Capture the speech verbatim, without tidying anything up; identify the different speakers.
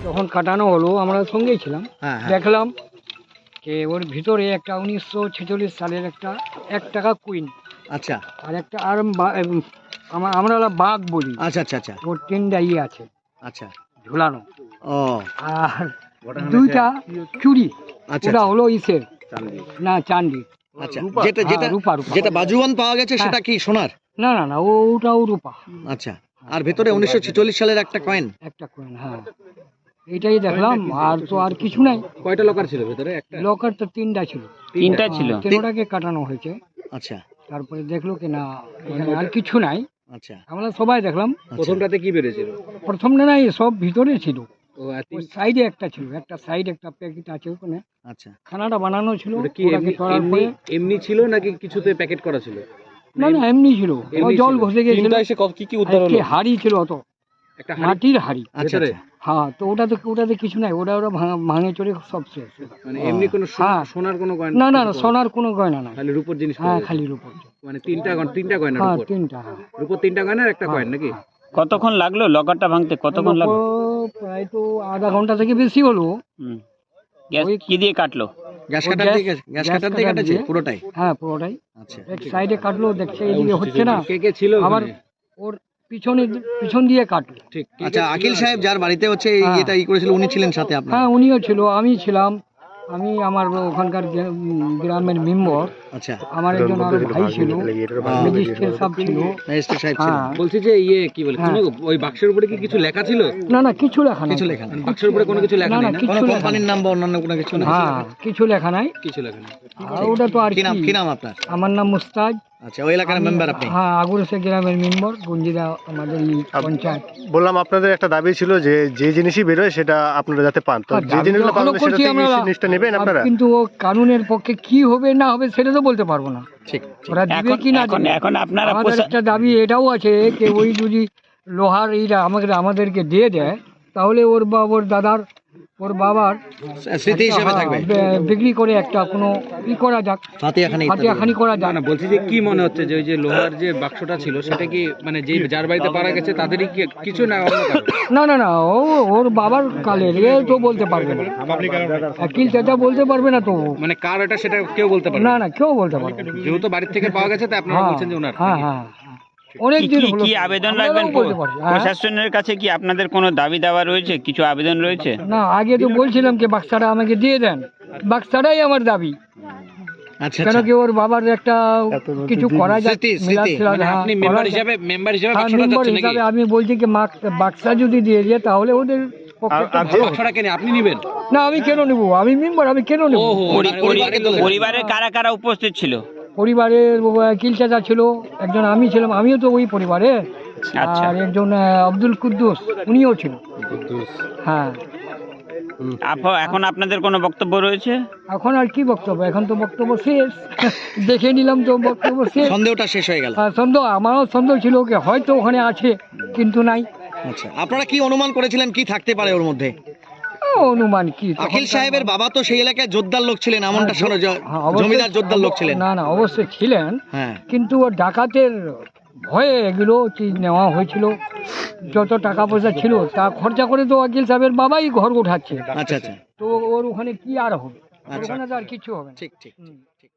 Speaker 1: তখন কাটানো হলো, আমরা সঙ্গেই ছিলাম।
Speaker 2: হ্যাঁ, হ্যাঁ।
Speaker 1: দেখলাম যে ওর ভিতরে একটা উনিশশো ছেচল্লিশ সালের একটা এক টাকা কুইন,
Speaker 2: আচ্ছা
Speaker 1: আর একটা আর বা- এম, আমা- আমরা ওরা বাঘ বলি,
Speaker 2: আচ্ছা আচ্ছা আচ্ছা
Speaker 1: ওর তিনটা ইয়ে আছে
Speaker 2: আচ্ছা
Speaker 1: ঝুলানো,
Speaker 2: ও
Speaker 1: আর দুইটা চুড়ি,
Speaker 2: আচ্ছা
Speaker 1: ওটা
Speaker 2: আচ্ছা।
Speaker 1: হলো ইসের না চান্দি,
Speaker 2: আচ্ছা যেটা
Speaker 1: হ্যাঁ,
Speaker 2: যেটা
Speaker 1: রূপা, রূপা।
Speaker 2: যেটা বাজুয়ান পাওয়া গেছে সেটা কি সোনার?
Speaker 1: না না না ও ওটাও রূপা,
Speaker 2: আচ্ছা, আর ভেতরে উনিশশো ছেচল্লিশ সালের একটা কয়েন।
Speaker 1: একটা কয়েন, হ্যাঁ এইটাই দেখলাম, আর তো আর কিছু নাই।
Speaker 3: কয়টা লকার ছিল ভেতরে? একটা
Speaker 1: লকার তো তিনটা ছিল,
Speaker 4: তিনটা ছিল।
Speaker 1: তিনটাকে কাটানো হয়েছে।
Speaker 2: আচ্ছা
Speaker 1: তারপরে দেখলো কি না এখানে আর কিছু নাই,
Speaker 2: আচ্ছা
Speaker 1: আমরা সবাই দেখলাম।
Speaker 3: প্রথমটাতে কি বেড়েছিল?
Speaker 1: প্রথমটা নাই, সব ভিতরে ছিল,
Speaker 3: ও আর
Speaker 1: ওই
Speaker 3: তিন-
Speaker 1: সাইডে একটা ছিল, একটা সাইড একটা প্যাকেট আছে ওখানে,
Speaker 2: আচ্ছা
Speaker 1: খানাটা বানানো ছিল।
Speaker 3: ওটা কি
Speaker 1: ওটাকে
Speaker 3: এমনি
Speaker 1: করার
Speaker 3: এমনি
Speaker 1: পরে
Speaker 3: এমনি ছিল নাকি কিছুতে প্যাকেট করা ছিল?
Speaker 1: না না এমনি ছিল, ও
Speaker 3: এমনি
Speaker 1: জল
Speaker 3: ছিল।
Speaker 1: ঘষে গেছিল।
Speaker 3: কি কি উদ্ধার হলো?
Speaker 1: আজকে হাড়ি ছিল, অত
Speaker 3: একটা হাঁড়ি
Speaker 1: মাটির হাড়ি,
Speaker 2: আচ্ছা
Speaker 3: ভেতরে?
Speaker 2: আচ্ছা।
Speaker 1: হ্যাঁ। তো ওটাতে ওটাতে কিছু নাই, ওটা ওরা ভাঙা- ভাঙে চড়ে সব শেষ।
Speaker 3: মানে এমনি কোনো সোনা-
Speaker 1: হ্যাঁ।
Speaker 3: সোনার কোনো গয়না?
Speaker 1: না না না সোনার কোনো গয়না নাই,
Speaker 3: খালি রূপোর জিনিস পাওয়া
Speaker 1: হ্যাঁ
Speaker 3: গেছে?
Speaker 1: খালি রূপর।
Speaker 3: মানে তিনটা গয়না, তিনটা গয়না
Speaker 1: হ্যাঁ
Speaker 3: রূপোর?
Speaker 1: তিনটা, হ্যাঁ।
Speaker 3: রূপোর তিনটা গয়না আর একটা
Speaker 1: হ্যাঁ,
Speaker 3: কয়েন নাকি?
Speaker 1: হ্যাঁ।
Speaker 4: কতক্ষণ লাগলো লকারটা ভাঙতে? কতক্ষণ লাগলো?
Speaker 1: ও প্রায় তো আধা ঘন্টা থেকে বেশি হলো।
Speaker 4: হুম। গ্যাস
Speaker 1: ওই-
Speaker 4: কি দিয়ে কাটলো?
Speaker 2: গ্যাস
Speaker 1: ও
Speaker 2: কাটার
Speaker 1: গ্যাস-
Speaker 2: দিয়ে গ্যাস
Speaker 1: গ্যাস
Speaker 2: কাটার দিয়ে
Speaker 1: কাটার
Speaker 2: কাটেছে
Speaker 1: দিয়ে।
Speaker 2: পুরোটাই?
Speaker 1: হ্যাঁ পুরোটাই,
Speaker 2: আচ্ছা
Speaker 1: এক সাইডে কাটলো, দেখছে এদিকে হচ্ছে না,
Speaker 3: কে কে ছিল
Speaker 1: আবার
Speaker 3: ওখানে?
Speaker 1: ওর পিছনে পিছন দিয়ে কাটলো।
Speaker 3: ঠিক কে কে
Speaker 2: আচ্ছা,
Speaker 3: ছিল?
Speaker 2: আকিল সাহেব যার বাড়িতে হচ্ছে এই
Speaker 1: হ্যাঁ।
Speaker 2: এটা ই করেছিল উনি ছিলেন সাথে আপনার?
Speaker 1: হ্যাঁ উনিও ছিল, আমি ছিলাম, আমি আমার ওখানকার যে, উম, গ্রামের মেম্বার,
Speaker 2: আচ্ছা,
Speaker 1: আমার একজন আরো ভাই ছিল,
Speaker 2: হ্যাঁ।
Speaker 1: ম্যাজিস্ট্রেট সব ছিল।
Speaker 2: ম্যাজিস্ট্রেট সাহেব ছিলেন।
Speaker 1: হ্যাঁ
Speaker 3: বলছি যে ইয়ে কি বলে
Speaker 1: হ্যাঁ।
Speaker 3: কোনো ওই বাক্সের উপরে কি কিছু লেখা ছিল?
Speaker 1: না না কিছু লেখা নাই,
Speaker 2: কিছু লেখা নেই?
Speaker 3: বাক্সের উপরে কোনো কিছু লেখা
Speaker 1: না,
Speaker 3: নেই
Speaker 1: না,
Speaker 3: না?
Speaker 1: কিছু
Speaker 2: কোনো
Speaker 1: লেখা
Speaker 2: কোম্পানির
Speaker 1: নেই।
Speaker 2: নাম বা অন্যান্য কোনো কিছু নেই?
Speaker 1: হ্যাঁ কিছু লেখা নাই।
Speaker 3: কিছু লেখা নেই।
Speaker 1: আর ওটা তো আর
Speaker 2: কি নাম
Speaker 1: কি,
Speaker 2: কি নাম আপনার?
Speaker 1: আমার নাম মুস্তাজ।
Speaker 2: আচ্ছা, ওই এলাকার
Speaker 1: আমি-
Speaker 2: মেম্বার আপনি?
Speaker 1: হ্যাঁ আগুরসে গ্রামের মেম্বার, গঞ্জিরা আমাদের এই পঞ্চায়েত।
Speaker 5: বললাম আপনাদের একটা দাবি ছিল যে যে জিনিসই বেরোয় সেটা আপনারা যাতে পান, তো
Speaker 1: হ্যাঁ,
Speaker 5: যে
Speaker 1: দাবি
Speaker 5: জিনিসগুলো
Speaker 1: তো এখনো
Speaker 5: পাবেন সেটা
Speaker 1: করছি
Speaker 5: থেকে
Speaker 1: আমরা,
Speaker 5: জিনিসটা নেবেন
Speaker 1: আর
Speaker 5: আপনারা?
Speaker 1: কিন্তু ও কানুনের পক্ষে কি হবে না হবে সেটা তো বলতে পারবো না,
Speaker 2: ঠিক।
Speaker 1: ওরা দিবে
Speaker 4: এখন
Speaker 1: কি না
Speaker 4: এখন
Speaker 1: দিবে।
Speaker 4: এখন আপনারা
Speaker 1: আমাদের
Speaker 4: পোষা-
Speaker 1: একটা দাবি এটাও আছে যে ওই যদি লোহার এইটা আমাদের আমাদেরকে দিয়ে দেয়, তাহলে ওর বা ওর দাদার ওর বাবার
Speaker 2: স্মৃতি হিসেবে
Speaker 1: হ্যাঁ,
Speaker 2: থাকবে,
Speaker 1: বে- বিক্রি করে একটা কোনো ই করা যাক,
Speaker 2: ফাতিহাখানি ইত্যাদি।
Speaker 1: হাতিয়াখানি করা
Speaker 3: না
Speaker 1: যাক।
Speaker 3: না বলছি যে কি মনে হচ্ছে যে ওই যে লোহার যে বাক্সটা ছিল সেটা কি মানে যে যার বাড়িতে পারা গেছে তাদেরই কি কিছু না অন্য কারো?
Speaker 1: না না না ও ওর বাবার কালের, এ তো বলতে পারবে না, আকিল চাচা বলতে পারবে না তো,
Speaker 3: মানে কার এটা সেটা কেউ বলতে পারে
Speaker 1: না
Speaker 3: না?
Speaker 1: না কেউ বলতে পারবে না।
Speaker 3: যেহেতু বাড়ির থেকে পাওয়া গেছে তাই আপনারা
Speaker 1: হ্যাঁ
Speaker 3: বলছেন যে ওনার।
Speaker 1: হ্যাঁ হ্যাঁ অনেক
Speaker 4: কি
Speaker 1: দিন
Speaker 4: কি-
Speaker 1: হলো,
Speaker 4: কি আবেদন
Speaker 1: আমরাও
Speaker 4: রাখবেন?
Speaker 1: বলতে পারি, হ্যাঁ।
Speaker 4: প্রশাসনের কাছে কি আপনাদের কোনো দাবি দাওয়া রয়েছে? কিছু আবেদন রয়েছে?
Speaker 1: না আগে তো বলছিলাম যে বাক্সাটা আমাকে দিয়ে দেন, বাক্সাটাই আমার দাবি,
Speaker 2: আচ্ছা
Speaker 1: কেন
Speaker 2: আচ্ছা,
Speaker 1: কি ওর বাবার একটা কিছু করা যাক,
Speaker 2: স্মৃতি, স্মৃতি।
Speaker 1: মিলাদ টিলাদ,
Speaker 3: মানে
Speaker 1: হ্যাঁ,
Speaker 3: আপনি
Speaker 1: করা
Speaker 3: মেম্বার
Speaker 1: যাক।
Speaker 3: হিসাবে মেম্বার হিসাবে
Speaker 1: হ্যাঁ,
Speaker 3: বাক্সটা
Speaker 1: মেম্বার
Speaker 3: যাচ্ছে নাকি?
Speaker 1: হিসাবে আমি বলছি যে মাক- বাক্সা যদি দিয়ে যায় তাহলে ওদের পক্ষে
Speaker 5: আর-
Speaker 1: তো
Speaker 5: আর
Speaker 1: ভালো।
Speaker 3: বাক্সটা কেন আপনি নেবেন?
Speaker 1: না আমি কেন নেব, আমি মেম্বার, আমি কেন নেব।
Speaker 3: ওহো
Speaker 4: পরি-
Speaker 3: মানে
Speaker 4: পরি-
Speaker 3: পরিবারের লোক।
Speaker 4: পরিবারের কারা কারা উপস্থিত ছিল?
Speaker 1: পরিবারের কিল চাচা ছিল একজন, আমি ছিলাম, আমিও তো ওই পরিবারে,
Speaker 4: আচ্ছা।
Speaker 1: আর একজন আহ, আব্দুল কুদ্দুস উনিও ছিল। হ্যাঁ
Speaker 4: আপ- এখন আপনাদের কোনো বক্তব্য রয়েছে?
Speaker 1: এখন আর কি বক্তব্য, এখন তো বক্তব্য শেষ, দেখে নিলাম তো বক্তব্য শেষ।
Speaker 2: সন্দেহটা শেষ হয়ে গেল।
Speaker 1: আর সন্দেহ, আমারও সন্দেহ ছিল কি হয়তো ওখানে আছে কিন্তু নাই।
Speaker 2: আচ্ছা, আপনারা কি অনুমান করেছিলেন কি থাকতে পারে ওর মধ্যে?
Speaker 1: ও, অনুমান কি, তখন
Speaker 2: আকিল
Speaker 1: তো-
Speaker 2: সাহেবের বাবা তো সেই এলাকায় জোরদার লোক ছিলেন, এমনটা
Speaker 1: হ্যাঁ,
Speaker 2: শোনো, জ-
Speaker 1: হ্যাঁ, অবশ্যই-
Speaker 2: জমিদার জোরদার লোক ছিলেন।
Speaker 1: না না অবশ্যই ছিলেন,
Speaker 2: হ্যাঁ,
Speaker 1: কিন্তু ও ডাকাতের ভয়ে এগুলো চিজ নেওয়া হয়েছিল, যত টাকা পয়সা ছিল তা খরচা করে তো আকিল সাহেবের বাবাই ঘর উঠাচ্ছে,
Speaker 2: আচ্ছা আচ্ছা,
Speaker 1: তো ওর ওখানে কি আর হবে,
Speaker 2: আচ্ছা।
Speaker 1: ওখানে তো আর কিছু হবে না।
Speaker 2: ঠিক ঠিক
Speaker 1: হুম।
Speaker 2: ঠিক।